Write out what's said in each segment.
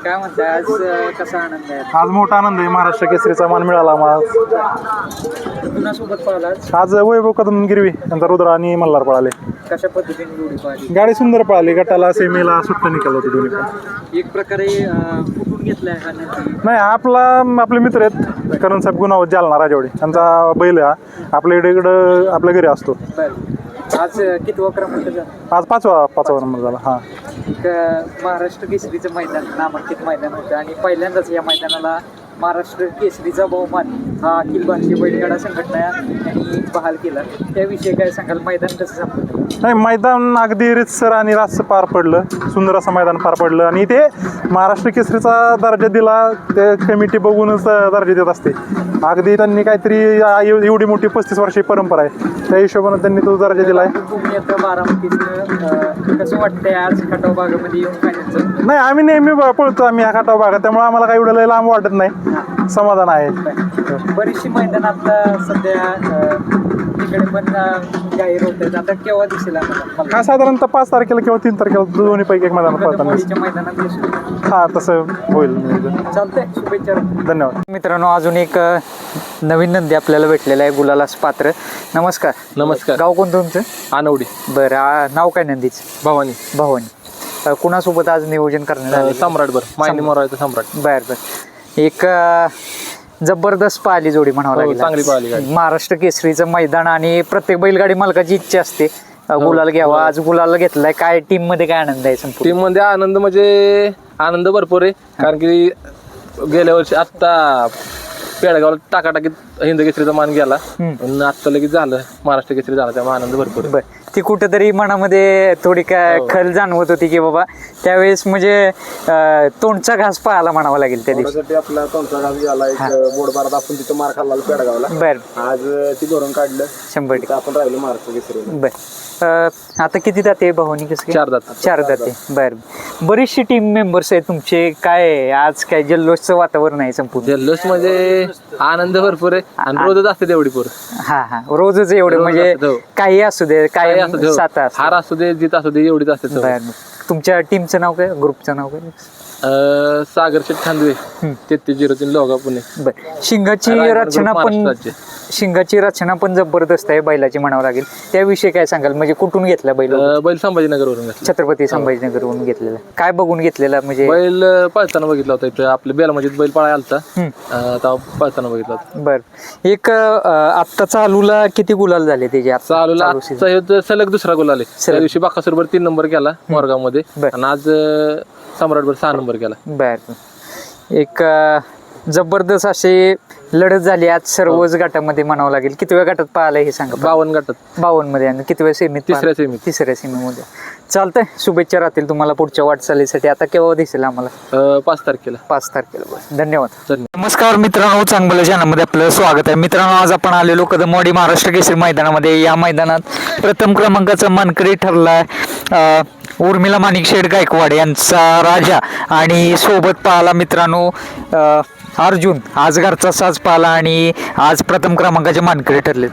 काय म्हणताय आज कसा आनंद आहे? आज मोठा आनंद आहे. महाराष्ट्र केसरीचा मान मिळाला आम्हाला. कुणासोबत पाहिला आज वैभव कदम गिरवी यांचा रुद्र आणि मल्हार पळाले. कशा पद्धतीने जोडी पाहिली? गाडी सुंदर पळाली. गटाला सेमीला सुट्ट निकाल होते दोन्ही पण. एक प्रकारे कुठून घेतलाय हा नंदी? नाही आपले मित्र आहेत करण साहेब गुणावत जालना राजवाडी त्यांचा बैल हा आपल्या इकडं आपल्या घरी असतो. बरं आज कितवा क्रमांक झाला? आज पाचवा नंबर झाला. हा एक महाराष्ट्र केसरीचं मैदान नामांकित मैदान होतं आणि पहिल्यांदाच या मैदानाला महाराष्ट्र केसरीचा बहुमान हा अखिल भारतीय बैलगाडा संघटना यांनी बहाल केला. त्याविषयी काय सांगाल? मैदान कसं संपलं? नाही मैदान अगदी रितसर आणि रास्त पार पडलं. सुंदर असं मैदान पार पडलं आणि ते महाराष्ट्र केसरीचा दर्जा दिला ते कमिटी बघूनच दर्जा देत असते. अगदी त्यांनी काहीतरी एवढी मोठी 35 वर्षाची परंपरा आहे त्या हिशोबाने त्यांनी तो दर्जा दिला आहे. तुम्ही आता बारामतीचं कसं वाटतंय आज खटाव भागामध्ये येऊन फायनलचं? नाही आम्ही नेहमी पळतो आम्ही ह्या खटाव भागात त्यामुळे आम्हाला काही एवढं लय लांब वाटत नाही. समाधान आहे. बरीचशी मैदान आता सध्या तिकडे पण जाहीर होत आहेत. आता केव्हा दिसेल आम्हाला? हा साधारणतः 5 तारखेला किंवा 3 तारखेला दोन्ही पैकी एक मैदानात पळताना. मैदानात दिसेल. हा तसं होईल. चालतंय. शुभेच्छा. धन्यवाद मित्रांनो अजून एक नवीन नंदी आपल्याला भेटलेला आहे गुलालास पात्र. नमस्कार. नमस्कार. गाव कोणतं तुमचं? आनवडी. बरं नाव काय नंदीच? भवानी. भवानी. कुणासोबत आज नियोजन करण्यात आलं? सम्राट. मायनी मोरायचं सम्राट. बर एक जबरदस्त पाहिली जोडी म्हणावं लागेल. चांगली पाहिली गाडी. महाराष्ट्र केसरीचं मैदान आणि प्रत्येक बैलगाडी मालकाची इच्छा असते गुलाल घ्यावा. आज गुलाल घेतलाय. काय टीम मध्ये काय आनंद आहे? संपूर्ण टीम मध्ये आनंद म्हणजे आनंद भरपूर आहे कारण की गेल्या वर्षी आत्ता पेडगावला टाकाटाकीत हिंद केसरीचा मान गेला आणि आत्ता लगेच झालं महाराष्ट्र केसरी झाला त्यामुळे आनंद भरपूर आहे. ती कुठेतरी मनामध्ये थोडी काय खल जाणवत होती की बाबा त्यावेळेस म्हणजे तोंडचा घास पाहायला म्हणावा लागेल त्या दिवशी. आपला तोंडचा घास झाला. एक बोर्डबारात आपण तिथं मार खाल्ला पेडगावला. बर आज ती भरून काढलं. 100% आपण राहिलो महाराष्ट्र केसरी. बर आता किती जाते भवानी? कसं 4 दात. 4 जाते. बर बरीचशी टीम मेंबर्स आहेत तुमचे. काय आज काय जल्लोषचं वातावरण आहे संपूर्ण? जल्लोष म्हणजे आनंद भरपूर आहे आणि रोजच असते तेवढी पोर. हा रोजच एवढे रोज म्हणजे असतं, हो. काही असू दे काय असू दे, हो. सात हार असू दे जीत असू दे एवढीच असते सवय. तुमच्या टीमचं नाव काय? ग्रुपचं नाव काय? सागर शेठ खांदवे 3303 लोगा पुणे. बर शिंगाची रचना पण जबरदस्त आहे बैलाची म्हणावं लागेल. त्याविषयी काय सांगाल? म्हणजे कुठून घेतला बैल? बैल संभाजीनगरवरून घेतला. छत्रपती संभाजीनगरवरून घेतलेला. काय बघून घेतलेला? म्हणजे बैल पळताना बघितला होता इथं आपल्या बेलामध्ये बैल पळायला आलता तेव्हा पळताना बघितला होता. बर एक आत्ता चालूला किती गुलाल झाले त्याचे? चालूला सलग दुसरा गोल आले. त्या दिवशी बाकासूरभर 3 नंबर केला मोरगाव मध्ये आणि आज सम्राटभर 6 नंबर केला. बर एक जबरदस्त असे लढत झाली आज सर्वच गटामध्ये म्हणावं लागेल. कितव्या गटात पाहिलं हे सांगा? 52 गटात. 52 मध्ये. आणि कितव्या सेमीत? तिसऱ्या सेमीत. तिसऱ्या सेमीमध्ये. चालतंय. शुभेच्छा राहतील तुम्हाला पुढच्या वाटचालीसाठी. आता केव्हा दिसेल आम्हाला? 5 तारखेला. 5 तारखेला. धन्यवाद. धन्यवाद. नमस्कार मित्रांनो, चांगलं चॅनलमध्ये आपलं स्वागत आहे. मित्रांनो आज आपण आलेलो कदमवाडी महाराष्ट्र केसरी मैदानामध्ये. या मैदानात प्रथम क्रमांकाचा मानकरी ठरलाय उर्मिला माणिकशेठ गायकवाड यांचा राजा आणि सोबत पाहला मित्रांनो अर्जुन. आज घरचा साज पाहला आणि आज प्रथम क्रमांकाचे मानकरी ठरलेत.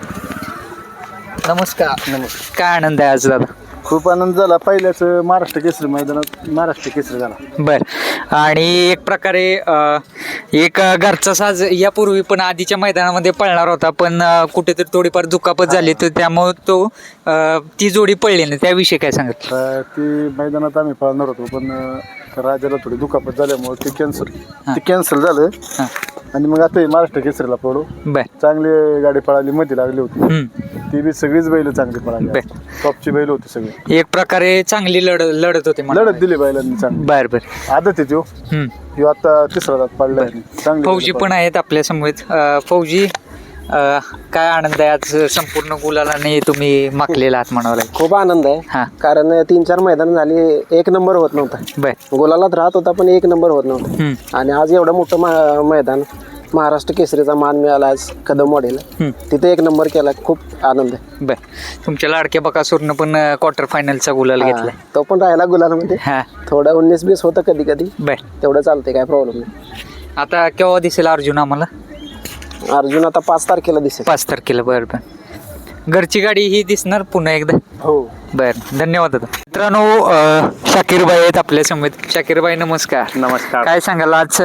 नमस्कार. काय आनंद आहे आज दादा? खूप आनंद झाला. पहिल्याच महाराष्ट्र केसरी मैदानात महाराष्ट्र केसरी झाला. बर आणि एक प्रकारे एक घरचा साज यापूर्वी पण आधीच्या मैदानामध्ये पळणार होता पण कुठेतरी थोडीफार दुखापत झाली तर त्यामुळे तो ती जोडी पळली नाही. त्याविषयी काय सांगत? ती मैदानात आम्ही पळणार होतो पण राजाला थोडी दुखापत झाल्यामुळे ते कॅन्सल झालं आणि मग आता महाराष्ट्र केसरीला पळू. बर चांगली गाडी पळाली. मध्ये लागली होती ती बी सगळीच बैल चांगली पळाली. टॉपची बैल होती सगळी. एक प्रकारे चांगली लढत होती. लढत दिली बैलांनी चांगली. बर बर आदत आहे ह्यो आता तिसरा दात पडला. चांगली फौजी पण आहेत आपल्या समोर. फौजी काय आनंद आहे आज संपूर्ण गुलालाने तुम्ही मागलेला आहात म्हणावं लागेल. खूप आनंद आहे कारण 3-4 मैदान झाली 1 नंबर होत नव्हता. बर गुलालात राहत होता पण 1 नंबर होत नव्हता आणि आज एवढं मोठं मैदान महाराष्ट्र केसरीचा मान मिळाला आज कदमवाडीला. तिथे 1 नंबर केला. खूप आनंद आहे. बर तुमच्या लाडक्या बकासूरनं पण क्वार्टर फायनलचा गुलाल घेतलाय. तो पण राहिला गुलालमध्ये. थोडं 19-20 होतं कधी कधी. बर तेवढं चालतंय काय प्रॉब्लेम नाही. आता केव्हा दिसेल अर्जुन आम्हाला? अर्जुन आता 5 तारखेला दिसेल. 5 तारखेला. बरं घरची गाडी ही दिसणार पुन्हा एकदा. हो. बर, धन्यवाद दादा. मित्रांनो, शाकीरबाई आहेत आपल्या समोर. शाकीरबाई नमस्कार. नमस्कार. काय सांगाल आज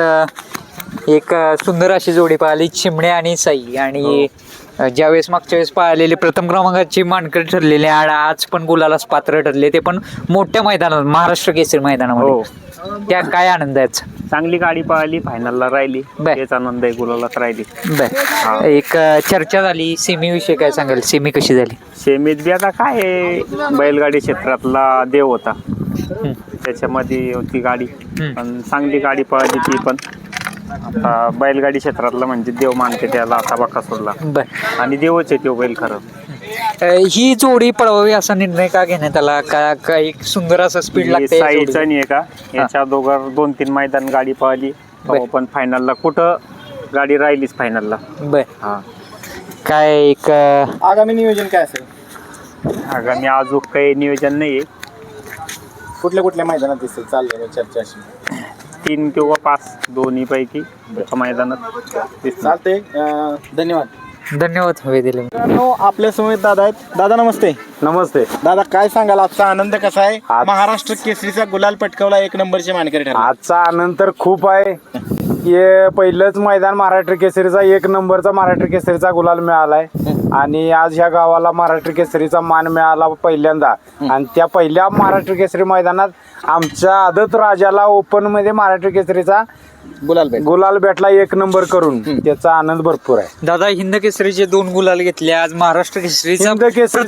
एक सुंदर अशी जोडी पाहिली, चिमणे आणि साई, आणि ज्यावेळेस मागच्या वेळेस पाहिलेली प्रथम क्रमांकाची मानकरी ठरलेली आणि आज पण गुलालाच पात्र ठरले, ते पण मोठ्या मैदानात, महाराष्ट्र केसरी मैदानामध्ये. त्या काय आनंद आहे? चांगली गाडी पळाली, फायनलला राहिली, बर. तेच आनंद आहे, गुलालात राहिली. बर, एक चर्चा झाली सेमी विषयी, काय सांगाल? सेमी कशी झाली? सेमीत बी आता काय आहे, बैलगाडी क्षेत्रातला देव होता, त्याच्यामध्ये होती गाडी, पण चांगली गाडी पळाली ती पण. आता बैलगाडी क्षेत्रातला म्हणजे देव मानते त्याला, आता बकासूरला, बर. आणि देवच आहे तो बैल खरं. ही जोडी पळवावी असा निर्णय का घेण्यात आला? का एक सुंदर असं स्पीड लागते या जोडीला? साईचा नाही आहे का, याच्या दोघं 2-3 मैदान गाडी पळाली, पण फायनलला कुठं गाडी राहिलीच फायनलला. बर. हा, काय एक आगामी नियोजन काय असेल? आगामी अजून काही नियोजन नाही आहे. कुठल्या मैदानात दिसेल चाललेलं चर्चा अशी? 3 किंवा 5 दोन्ही पैकी मैदानात दिसणार. चालते. धन्यवाद. धन्यवाद हवे दिले. मित्रांनो, आपल्या समोर दादा आहेत. दादा नमस्ते. नमस्ते. दादा काय सांगाल, आजचा आनंद कसा आहे? महाराष्ट्र केसरीचा गुलाल पटकावला, 1 नंबरचे मानकरी ठरला. आजचा आनंद तर खूप आहे. हे पहिलंच मैदान महाराष्ट्र केसरीचा, 1 नंबरचा महाराष्ट्र केसरीचा गुलाल मिळालाय, आणि आज ह्या गावाला महाराष्ट्र केसरीचा मान मिळाला पहिल्यांदा. आणि त्या पहिल्या महाराष्ट्र केसरी मैदानात आमच्या आदत राजाला ओपन मध्ये महाराष्ट्र केसरीचा गुलाल भेटला 1 नंबर करून. त्याचा आनंद भरपूर आहे. दादा, हिंद केसरीचे 2 गुलाल घेतले, आज महाराष्ट्र केसरीचा हिंद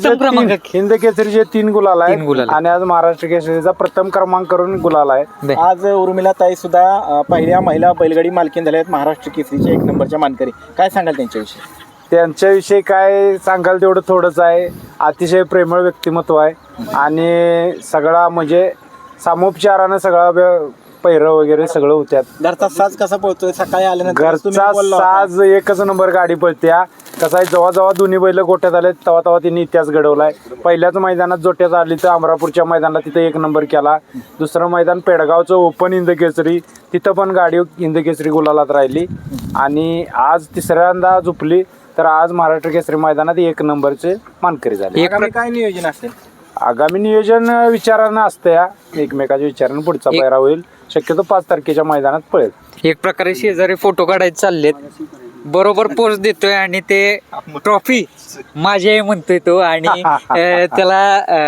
केसरीचे 3 गुलाल तीन गुलाल. आहे, आणि आज महाराष्ट्र केसरीचा प्रथम क्रमांक करून गुलाल आहे. आज उर्मिला ताई सुद्धा पहिल्या महिला बैलगाडी मालकीन झाल्या आहेत, महाराष्ट्र केसरीच्या 1 नंबरच्या मानकरी. काय सांगाल त्यांच्याविषयी? त्यांच्याविषयी काय सांगाल तेवढं थोडंच आहे. अतिशय प्रेमळ व्यक्तिमत्व आहे, आणि सगळा म्हणजे सामोपचारानं सगळा पैरं वगैरे सगळं होत्यात. घरचा साज कसा पोहोचतोय? सकाळी आल्यानंतर घरचा साज एकच नंबर गाडी पळत्या. कसा आहे, जेव्हा दोन्ही बैल गोट्यात आले तेव्हा तिने इतिहास घडवलाय. पहिल्याच मैदानात जोट्यात आली तर अमरापूरच्या मैदानाला तिथे 1 नंबर केला. दुसरं मैदान पेडगावचं ओपन हिंद केसरी, तिथं पण गाडी हिंद केसरी गुलालात राहिली, आणि आज तिसऱ्यांदा झुपली, तर आज महाराष्ट्र केसरी मैदानात 1 नंबरचे मानकरी झाले. काय नियोजन असेल? आगामी नियोजन विचारानं असतं, या एकमेकाच्या विचारानं पुढचा पायरा होईल. शक्यतो 5 तारखेच्या मैदानात पळेल. एक प्रकारे शेजारी फोटो काढायचे चाललेत, बरोबर पोच देतोय, आणि ते ट्रॉफी माझी आहे म्हणतोय तो, आणि त्याला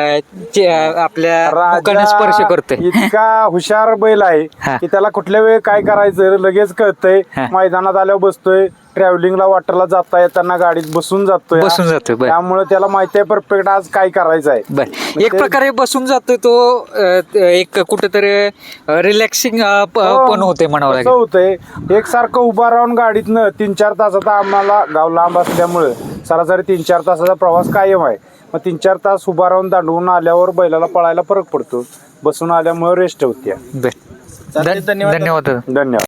आपल्या मुखाने स्पर्श करतोय. इतका हुशार बैल आहे की त्याला कुठल्या वेळी काय करायचं लगेच कळतंय. मैदानात आल्यावर बसतोय, ट्रॅव्हलिंगला वाटरला जाता येताना गाडीत बसून जातोय. बर. त्यामुळे त्याला माहिती आहे परफेक्ट आज काय करायचं आहे. बर, एक प्रकारे बसून जातोय तो, एक कुठेतरी रिलॅक्सिंग पण होते म्हणावं कसं लागेल. होतंय, एकसारखं उभा राहून गाडीतनं 3-4 तासाचा, आम्हाला गाव लांब असल्यामुळे सरासरी 3-4 तासाचा प्रवास कायम आहे. मग 3-4 तास उभा राहून दांडवून आल्यावर बैलाला पळायला फरक पडतो. बसून आल्यामुळे रेस्ट होते. धन्यवाद. धन्यवाद.